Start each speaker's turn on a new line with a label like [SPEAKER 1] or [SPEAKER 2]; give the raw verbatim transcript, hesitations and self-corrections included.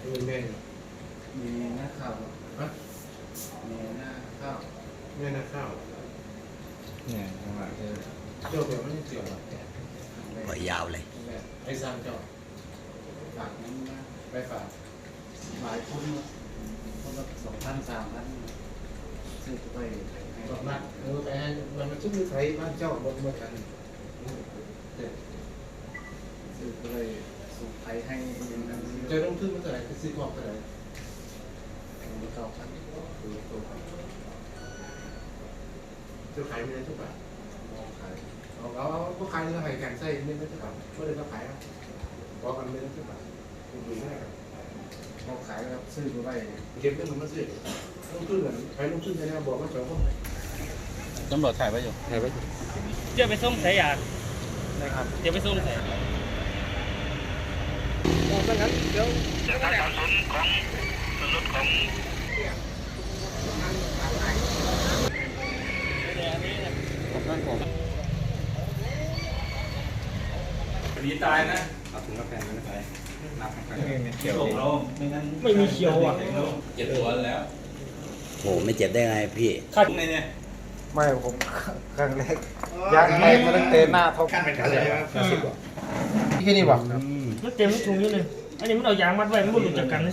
[SPEAKER 1] เป็นแม่
[SPEAKER 2] มีหน้าข้าว
[SPEAKER 1] ฮะ
[SPEAKER 2] มีหน้าข้าว
[SPEAKER 1] แม่นาข้าว
[SPEAKER 3] เนี่ยจังหวะเจอ
[SPEAKER 1] เจ้าแบบไม่ได้เกี่ยวหรอก
[SPEAKER 4] ปล่อยยาวเลย
[SPEAKER 1] แม่ไอ้สร้างเจ้า
[SPEAKER 2] ฝากนั้นนะ
[SPEAKER 1] ไปฝาก
[SPEAKER 2] หลายคนคนละสองพันสามพันซื้อไปให้
[SPEAKER 1] บอกมาเออไปให้มันมันชุบมือไทยบ้านเจ้าบนเมื่อกันเด็ด
[SPEAKER 2] ซื้อไปส่งไทยให้ยังนั้น
[SPEAKER 1] เจะต้องขึ้นมาเท่าไหร่ซื้อของเท่าไหร่
[SPEAKER 2] เก้าพัน
[SPEAKER 1] คือตัวเจ้าขายไม่ได้ทุกบาท
[SPEAKER 2] มองขาย
[SPEAKER 1] เอาเอาพวกขายเนื้อไข่แข็งไส้ไม่ได้ทุกบาทไม่ได้ก็ขายอ่ะบอกกันไม่ได้ทุกบาทคุณดูง่ายครับ
[SPEAKER 2] มองขายครับซื้อไป
[SPEAKER 1] เก็บเงินมันมาซื้อต้องขึ้นเหมือนใครต้องขึ้นใช่ไหมบอกว่าเจ้าคน
[SPEAKER 3] ตำรวจถ่ายไว้อยู่ถ่ายไว้
[SPEAKER 5] เดี๋ยวไปส่งสายยา
[SPEAKER 3] นะครับ
[SPEAKER 5] เดี๋ยวไปส่งสาย
[SPEAKER 3] ดีตายนะเอาถุงกาแฟมาไปนับกันเขียวเราไม่งั้น
[SPEAKER 5] ไม่มีเขียวอ่ะ
[SPEAKER 3] เจ็บตัวแล้ว
[SPEAKER 4] โหไม่เจ็บได้ไงพี่
[SPEAKER 5] ขาด
[SPEAKER 3] ถุงในเนี่ย
[SPEAKER 2] ไม่ผมครั้งแรกยางแตกมาตั้งแต่หน้าท้อง
[SPEAKER 1] ขั้นเป็นอะไรวะสิบกว่า
[SPEAKER 2] ที่นี่บอก
[SPEAKER 5] มันเต็มถุงอยู่เลยอันนี้มันเอายางมัดไว้มันไม่หลุดจากกัน